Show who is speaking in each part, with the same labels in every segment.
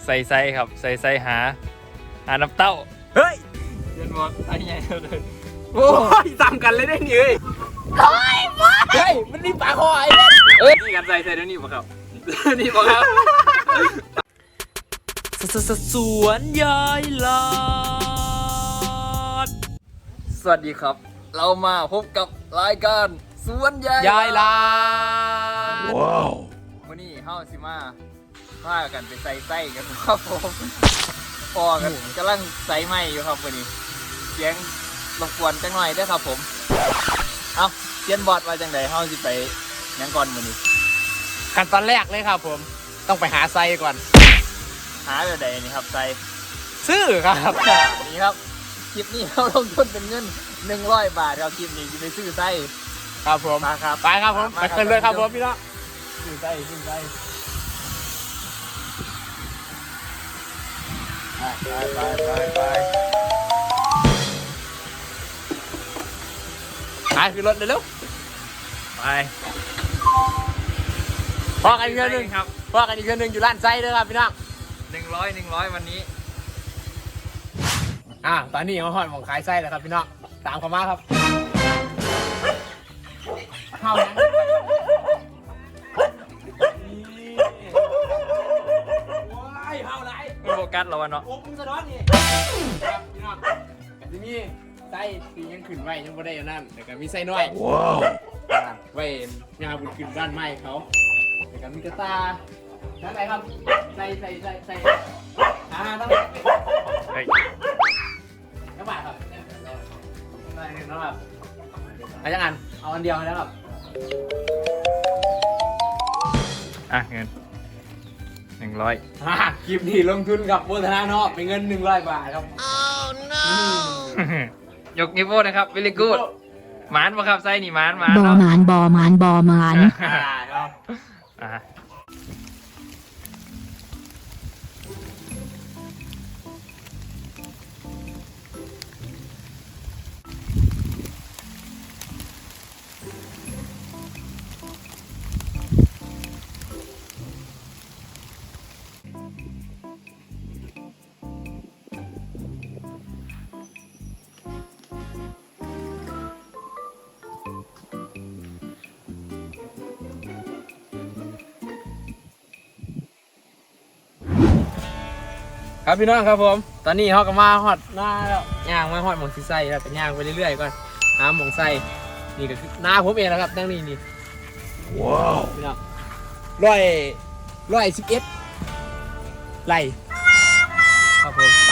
Speaker 1: ใส่ไส้ครับใส่ไส้หาน้ำเต้าเฮ้ยเรียนบอกไอ้ใหญ่เลยโอ้ยตามกันเลยได้นี่เฮ้ยมันนี่ปลาคอไอ้เนี่ยนี่กันใส่เดี๋ยวนี้ป่ะครับนี่ป่ะครับสวนยายหลอดสวัสดีครับเรามาพบกับรายการสวนยายหลอดว้าววันนี้เฮาสิมาพากันไปใส่ไส้กันครับผมพอกันกำลังใส่ไม้อยู่ครับวันนี้เสียงรบกวนจังหน่อยได้ครับผมเอาเจียนบอดมาจังใดเฮาสิไปยังก่อนวันนี้
Speaker 2: ขั้นตอนแรกเลยครับผมต้องไปหาไซก่อน
Speaker 1: หาแบบใดนี่ครับไส้
Speaker 2: ซื้อครับ
Speaker 1: นี่ครับคลิปนี้เราลงทุนเป็นเงิน100 บาทครับคลิปนี้จะไปซื้อไส้
Speaker 2: ครับผม
Speaker 1: มาครับ
Speaker 2: ไปครับผมไปกันเลยครับผมพี่น้อง
Speaker 1: ซื้อไส้ไป
Speaker 2: คือรถเร็ว
Speaker 1: ไป
Speaker 2: พอกันอีกเรื่องนึงครับพอกันอีกเรื่องนึงอยู่ร้านไส้ด้วยครับพี่น้อง
Speaker 1: 100วันนี้
Speaker 2: ตอนนี้เขาหอดหมองขายไส้แล้วครับพี่น้องตามเขามาครับเข้านะเข้าไร
Speaker 1: โฟกัสเราเนาะ
Speaker 2: โอ้มึงสะท้อนนี่ครับพี่น้องที่นี่ไส้ที่ยังขึ้นไว้ยังไม่ได้อยู่นั่นแต่ก็มีไส้น้อยว้าวไว้งาบุญขึ้นด้านไม้เขาแต่ก็มีกระตาทั้งไหนครับใส่ทั้งบาทครับได้แล้วครับอะไรจังอันเอาอันเดียวแล้วครับ
Speaker 1: เงิน100
Speaker 2: คลิปนี้ลงทุนกับโบธนาเนาะเป็นเงิน100 บาทครับ
Speaker 1: ยกนิ้วโป้นะครับ very good หมานป่ะครับไส้นี่หมาน
Speaker 3: บอหมาน
Speaker 1: ครับ
Speaker 2: ครับพี่น้องครับผมตอนนี้เขาก็มาฮอดหน้าแล้วย่างมาฮอดหมองซีไส้แล้วก็ย่างไปเรื่อยๆก่อนหาหมองไส้นี่ก็คือหน้าผมเองนะครับนั่งนี่ว้าวพี่น้อง111ไร่ครับผมไป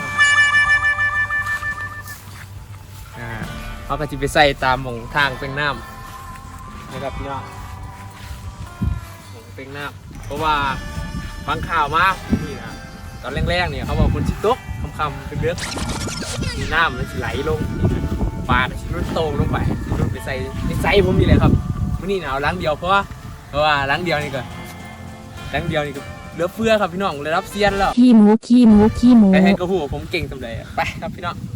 Speaker 2: เขาก็จะไปใส่ตามหมองทางเป็นน้ำนะครับพี่น้องหมองเป็นน้ำเพราะว่าฟังข่าวมานี่นะตอนแรกๆเนี่ยเขาบอกคนชิตกคำเป็นเลือดมีน้ำมันจะไหลลงปลาก็ชิรุ่นโตลงไปรุ่นไปใส่ผมนี่แหละครับวันนี้เอาล้างเดียวเพราะว่าล้างเดียวนี่ก็เหลือเฟือครับพี่น้องเลยรับเซียนแล้ว
Speaker 3: ขี้หมู
Speaker 2: ให้กระหูผมเก่งสำเร็จไปครับพี่น้อง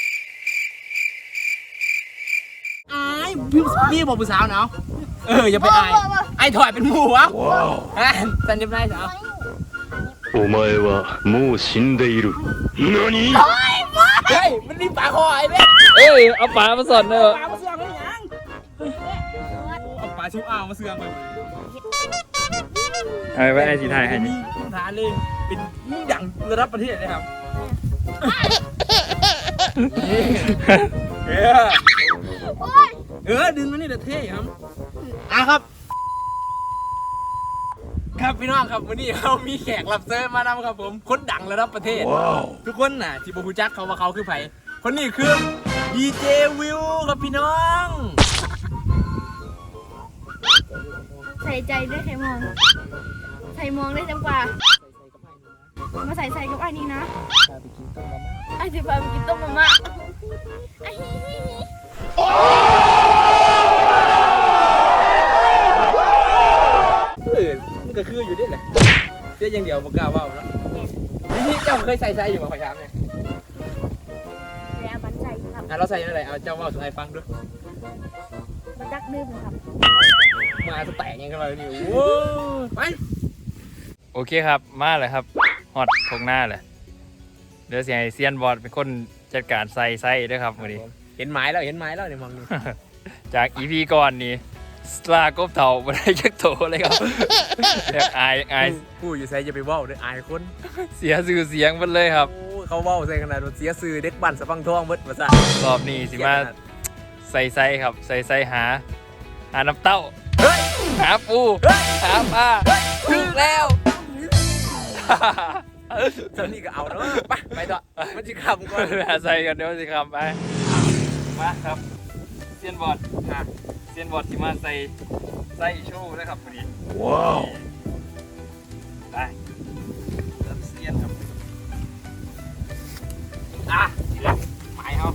Speaker 2: พี่บอกผู้สาวเนาะอย่าไปไอ้ถอยเป็นหมูวะสันยิบได้สาว
Speaker 4: お前はもう死んでいる。何？
Speaker 2: เฮ้ยมันนี่ปลาคอไอ้เนี่ย
Speaker 1: เอาปลามาสอนเนอะ
Speaker 2: ปลามาเสื่องเลยยังเอาปลาชิวอ้าวมาเสื่องไป
Speaker 1: ไว้ไอ้สีไทยให้
Speaker 2: นี่ฐานเลยเป็นอย่างระดับประเทศเลยครับดึงมานี่เดี๋ยวเท่ครับครับพี่น้องครับวันนี้เขามีแขกรับเชิญมานำครับผมคนดังระดับประเทศ ทุกคนน่ะที่บูจักเขาว่าเขาคือไผคนนี้คือดีเจวิวครับพี่น้อง
Speaker 3: ใส่ใจด้วยใครมองได้จังกว่ามาใส่กับไอ้นี่นะไอ้จะพาไปกินต้มมาม่า
Speaker 2: มันก็คืออยู่ดิแหละเสียอย่างเดียวบอกกล้าว่าแล้วนี่เจ้าเคยใส่อยู่กับขอยามเนี่ย
Speaker 3: แล้วมันใส่ครับ
Speaker 2: เราใส่อะไรเอาเจ้าว่าสุดท้ายฟังด้วย
Speaker 3: มาจักนึมครับ
Speaker 2: มาจะแตกยังกันเลยนี่โว้ไป
Speaker 1: โอเคครับมาเลยครับฮอดทงหน้าเลยเดี๋ยวสิให้เซียนบอดเป็นคนจัดการใส่ไส้ด้วยครับมื้อนี้
Speaker 2: เห็นไม้แล้วในมองนี่
Speaker 1: จาก EP ก่อนนี่สลากบเต่าบ่ได้จักโตเลยครับอยากอาย
Speaker 2: ผู้อยู่ใส่จะไปเว้าเด้ออายคน
Speaker 1: เสียชื่อเสียงหมดเลยครับ
Speaker 2: โอ้เขาเว้าใส่ขนาดว่าเสียชื่อเด็กบ้านสะพังทองเบิดว่าซั่น
Speaker 1: รอบนี้สิมาใส่ไส้ครับใส่ไส้หาน้ำเต้าหาปูหาปลาถูกแล้ว
Speaker 2: ตอนนี้ก็เอาเนาะไปต่อมันสิคำก่อน
Speaker 1: หาใส่กันเดี๋ยวสิครับไปมาครับเซียนบอดเซียนบอดที่มาใส่ไส้โชว์นะครับพอดี
Speaker 4: ว้าว
Speaker 1: ไปเริ่มเซียนครับ
Speaker 2: ทีละไม้เฮา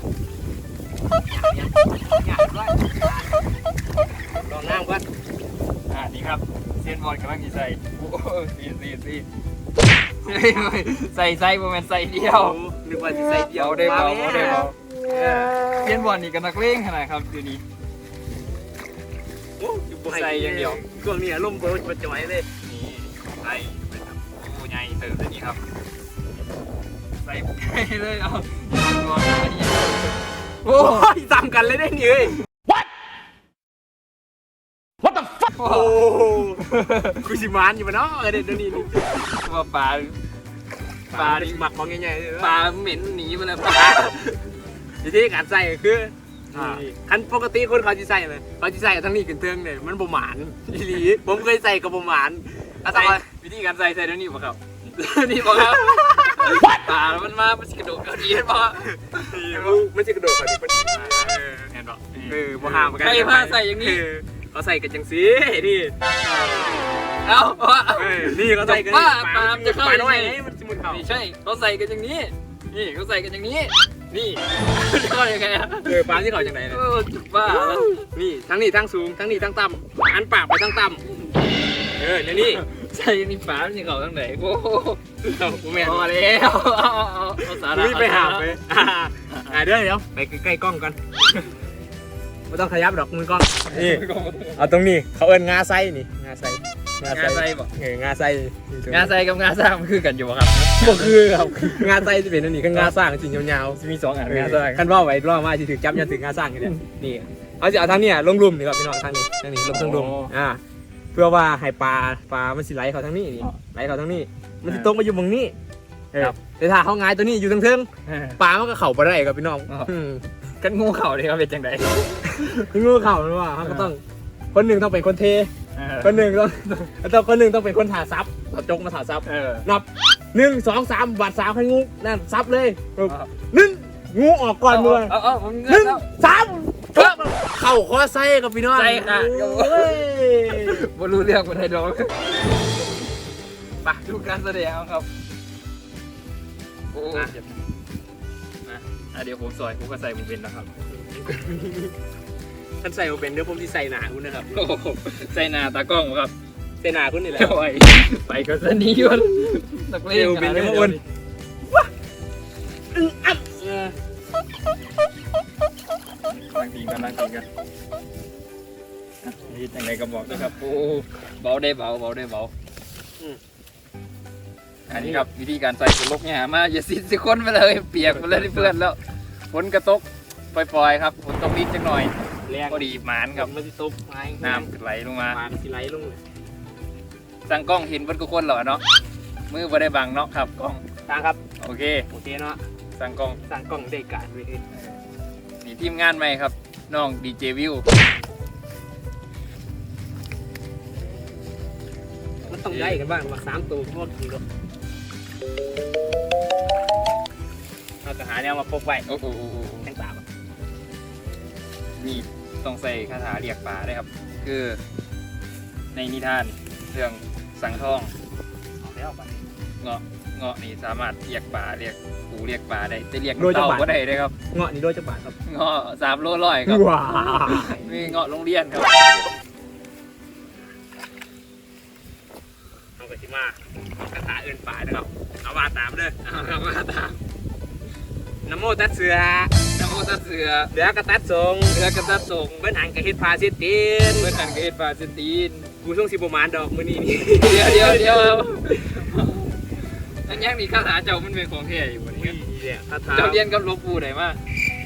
Speaker 2: ลองน้ำก่อน
Speaker 1: นี่ครับเซียนบอดกำลังจะใส่โอ้สีใส่ไส้ประมาณใส่เดียว
Speaker 2: นึกว่าสิใส่เดียว
Speaker 1: ได้เบาเซียนบอดนี่ก็นักเลงขนาดครับเดี๋ยวนี้ ใส่อย่างเดียว
Speaker 2: ช่วงนี้อารมณ์บ่จ่อยเลย
Speaker 1: นี่ใส่ไปครับโอ้ใหญ่เติมเลยนี่ครับใส่ไปเลยเอาตัวอันนี้
Speaker 2: โอ้ยตามกันเลยได้นี่เอ้ย
Speaker 1: โอ้
Speaker 2: โอ้กูสิมานอยู่บ่เนาะเดี๋ยวนี้
Speaker 1: ว่าปลา
Speaker 2: ปลาดิหมักมองง่ายๆ
Speaker 1: ปลาเหม็นหนีมาแล้วปลา
Speaker 2: วิธีการใส่ก็คือคันปกติคนเขาจะใส่เลยเขาจะใส่ทั้งนี้ขึ้นเทิงเลยมันบ่หมานอีหลีผมเคยใส่กับบ่หมานอา
Speaker 1: ใส่
Speaker 2: ตา
Speaker 1: วิธีการใส่เดี๋ยวนี้ป่ะครับนี่ป่ะครับปลามันมามันกระโดดกระเดียนป่ะ
Speaker 2: มันจะกระโดดเขาดิ
Speaker 1: เห็นป่ะ
Speaker 2: บ่ห้ามกัน
Speaker 1: ใครพาใส่อย่างนี้
Speaker 2: เขาใส่กันจังซี่นี่
Speaker 1: เอ้า
Speaker 2: นี่เขาใส่กัน
Speaker 1: ปลาจะเข้า
Speaker 2: ปลาน้อยมันจะมุนเข้า
Speaker 1: ไม่ใช่เขาใส่กันอย่างนี้นี่เขาใส่กันอย่างนี้นี่ก็ยังไงอะ
Speaker 2: ปลาที่เขาจังไหนเนี่ย
Speaker 1: จุดบ้า
Speaker 2: นี่ทั้งนี้ทั้งสูงทั้งนี้ทั้งต่ำอันปากไปทั้งต่ำเนี่ยนี่
Speaker 1: ใช่นี่ฝาไม่ใช่เขาทั้งไหนโอ้โห
Speaker 2: กูแม่
Speaker 1: พอแล้วเอาสาระ
Speaker 2: รีบไปหาไปเดี๋ยวไปใกล้กล้องกันไม่ต้องขยับดอกมือกล้องนี่เอาตรงนี้เขาเอิ้นงาไส้นี่งาไส้
Speaker 1: งาไส้บ่
Speaker 2: งาไส้
Speaker 1: งาไส้กับงาสร้างมันคือกันอยู่ครับ
Speaker 2: ก็คือครับงาไส้จะเป็นอันนี้ก็งาสร้างจริงยาวๆ
Speaker 1: มีสองอัน
Speaker 2: งาสร้างขั้นว่าไว้รอมาจะถึงจับยันถึงงาสร้างกันเนี่ยนี่เอาจะเอาทางนี้ลงรุมนี่ครับพี่น้องทางนี้ลงทางรุมเพื่อว่าให้ปลามันสิไหลเขาทางนี้นี่ไหลเขาทางนี้มันสิตรงมาอยู่ตรงนี้แต่ถ้าเขางายตัวนี้อยู่ทางเทิงปลามันก็เข่าไปได้ครับพี่น้อง
Speaker 1: กันงูเข่าเลยครับเป็นจังได
Speaker 2: งูเข่าหรือว่าเขาก็ต้องคนหนึ่งต้องเป็นคนเทคนหนึ่งต้องเป็นคนถาซับเอาจกมาถาซับนับ1 2 3บัด3ให้งูนั่นซับเลย1งูออกก่อนมือ1 3เข่าข้อไส้กับพี่น้อง
Speaker 1: ใช่ค่ะบรู้เรื่องคนไทยดอกปะดูการแสดงครับโอ้เดี๋ยวผมซอยผมก็ใส่ผมเป็นนะครับ
Speaker 2: ท่านใส่มาเป็นเดี๋ยวผมที่ใส่หนาคุณนะครับ
Speaker 1: โอ้ใส่หน้าตากล้องครับ
Speaker 2: ใส่หนาคุณนี่แหละ
Speaker 1: ไปก็สนีวันนักเล่นกันเลย นั่งทีกันนี่ยังไงก็บอกนะครับโอ้เบาได้เบาอันนี้ครับวิธีการใส่ฝนลกเนี่ยมาอย่าซิดสิคนไปเลยเปียกไปเลยเพื่อนแล้วฝนกระตกปล่อยๆครับฝนตกนิดจังหน่อย
Speaker 2: แรง
Speaker 1: พอดีหมานครับ
Speaker 2: มันจะตบไม้
Speaker 1: น้ำไหลลงมา
Speaker 2: มันจะไหลลงเลย
Speaker 1: สั่งกล้องเห็นเบิดทุกคนเหรอเนาะมือบ่ได้บังเนาะครับกล้อง
Speaker 2: ทางครับ
Speaker 1: โอเค
Speaker 2: เนาะ
Speaker 1: สั่งกล้อง
Speaker 2: สั่งกล่องได้การไปเลย
Speaker 1: นี่ทีมงานใหม่ครับน้องดีเจวิว
Speaker 2: มันต้องได้กันบ้างว่า3ตัวพวกกี่ตัวเราจะหาแนวมาพกไว้
Speaker 1: โอ้โห
Speaker 2: แข้งตาม
Speaker 1: นี่ต้องใส่คาถาเรียกปลาได้ครับ คือในนิทานเรื่องสังทอง
Speaker 2: เอาแล้วไป
Speaker 1: เงาะนี่สามารถเรียกปลาเรียกปูเรียกปลาได้แต่เรียกเต่าก็ได้เลยครับ
Speaker 2: เงาะนี่โดยจะบาทครับ
Speaker 1: เงาะ3 โลร้อยครับ
Speaker 2: ว้า
Speaker 1: มีเงาะโรงเรียนครับ
Speaker 2: เอาไปที่มาคาถาเอินป่านะครับเอาว่าตามเลย
Speaker 1: เอามาตาม
Speaker 2: น้ำโมตัดเสือ
Speaker 1: น้ำมูตัดเสือ
Speaker 2: เดือกระตัดทรง
Speaker 1: เรือกระตัดส่ง
Speaker 2: เบิ้ลหันกระเฮ็ดพาเสียตีน
Speaker 1: เพื่อนหันกระเฮ็ดปลาเซนตีน
Speaker 2: กูช่วงสิบประมาณดอกมื้อนี้นี่
Speaker 1: เดี๋ยวอันยังนี่คาถาเจ้ามันเป็นของแท้อยู่วันนี้
Speaker 2: นี่เนี่ยคาถา
Speaker 1: เจ้าเรียนกับหลวงปู่ไหนมา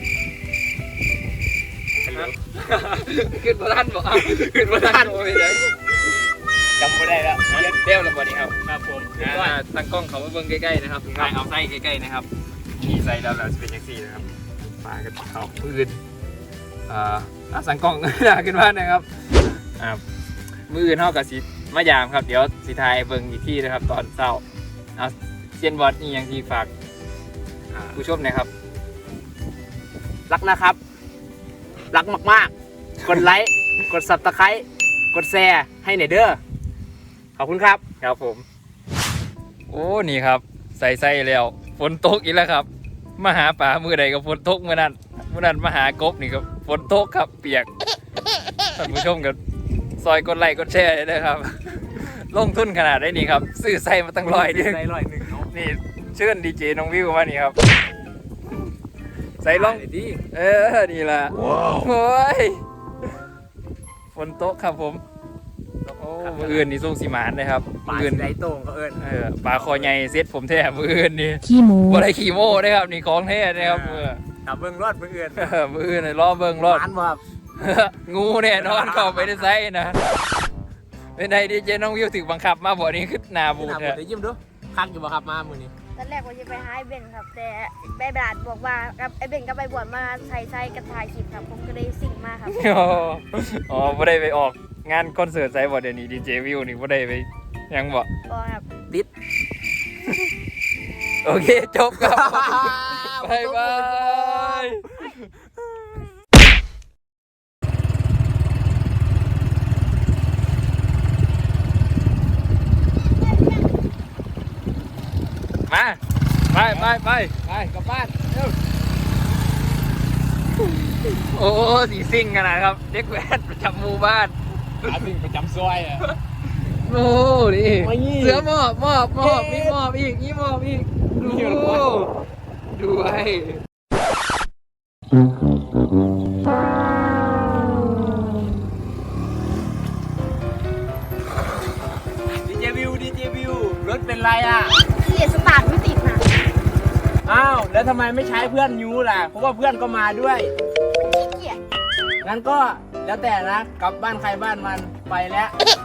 Speaker 1: ขึ้นพระท่านบอกขึ้นพระท่านโอ้ยเลยจำไม่ได้แล้วเรียนเร็วแล้ววันนี้ครับ
Speaker 2: ครับผม
Speaker 1: ตั้งกล้องเขามาเบิ่งใกล้ๆนะครับถ่ายเอาไส้ใกล้ๆนะครับมีไส้ดำแล้วจะเป็นยังซี่นะครับ
Speaker 2: มากันเขาปืนสังกล้อง ขึ้นมานะครับ
Speaker 1: มืออื่นเท่ากับสิมายามครับเดี๋ยวสิทายเบิ่งอีกที่นะครับตอนเช้าเอาเซียนบอสนี่ยังที่ฝากผู้ชมนะครับ
Speaker 2: รักนะครับ รักมากๆ กดไลค์ กดซับสไครต์กดแชร์ให้หน่อยเด้อ ขอบคุณครับ
Speaker 1: ครับผม โอ้นี่ครับใส่แล้วฝนตกอีกแล้วครับมาหาป่ามือใดก็ฝนตกเมื่อนั้นมาหากบนี่ก็ฝนตกครับเปียกท่านผู้ชมกับซอยกดไลค์กดแชร์เลยนะครับ ลงทุนขนาดได้นี่ครับซื้อใส่มาตั้ง100นึง
Speaker 2: ใส่100เนาะ
Speaker 1: นี่เชิญดีเจน้องวิวมานี่ครับ ใส่ลอง
Speaker 2: ดี
Speaker 1: นี่แหละโอ้ยฝนตกครับผมโอ้มืออื่นนี่ส่งสีหมานเลยครับ
Speaker 2: ปลา
Speaker 1: มืออื่น
Speaker 2: ไรโต้งเขาเอิญ
Speaker 1: ปลาคอใหญ่เซ็ตผมแท้มืออื่นนี่
Speaker 3: ขี้หมู
Speaker 1: บ่ได้ขี่โม่นะครับนี่ของแท้นะครับมือ
Speaker 2: กับเบิ้งรอดเบิ้งเอิญ
Speaker 1: มืออื่นนี่ล้อเบิ่งรอด
Speaker 2: หวานบ่ครับ
Speaker 1: งูแน่นอนเข้าไปในไซนะเป็นไงดีเจน้องวิวถึงบังคับมาบ่นี้ขึ้นหนาบู
Speaker 2: ห
Speaker 1: ด
Speaker 2: น้า
Speaker 1: เนี่ย
Speaker 2: เดี๋ยวยิ้มดูคักอยู่บ่ครับมามือนี้
Speaker 3: ตอนแรกว่าจะไปหาไอ้เบนครับ แต่แม่บาดบอกว่ากับไอ้เบนก็ไปบวชมาใส่กระถ่ายคลิปครับผมก็เลยสิ่งมากครับ
Speaker 1: อ๋อบ่ได้ไปออกงานคอนเสิร์ตไซบ่เดี๋ยวนี้ดีเจวิวนี่บ่ได้ไปยังบ่
Speaker 3: ก็ครับ
Speaker 2: ติด
Speaker 1: โอเคจบครับบายบายมาไปกลับบ้านเร็วโอ้สีซิ่งขนาดครับเด็กแว้นประจำหมู่บ้าน
Speaker 2: อาสิ่งประจำซอยอ่ะ
Speaker 1: โอ้นี่
Speaker 2: ไม่ยี่
Speaker 1: เสือมอบมีมอบอีกนี่มอบอีกดูไว้
Speaker 2: ดีเจวิวรถเป็นไรอ่ะ
Speaker 3: เสียสตาร์ทไม่ติดนะ
Speaker 2: อ้าวแล้วทำไมไม่ใช้เพื่อนยูล่ะเพราะว่าเพื่อนก็มาด้วย
Speaker 3: ขี้เกียจ
Speaker 2: งั้นก็แล้วแต่นะกลับบ้านใครบ้านมันไปแล้ว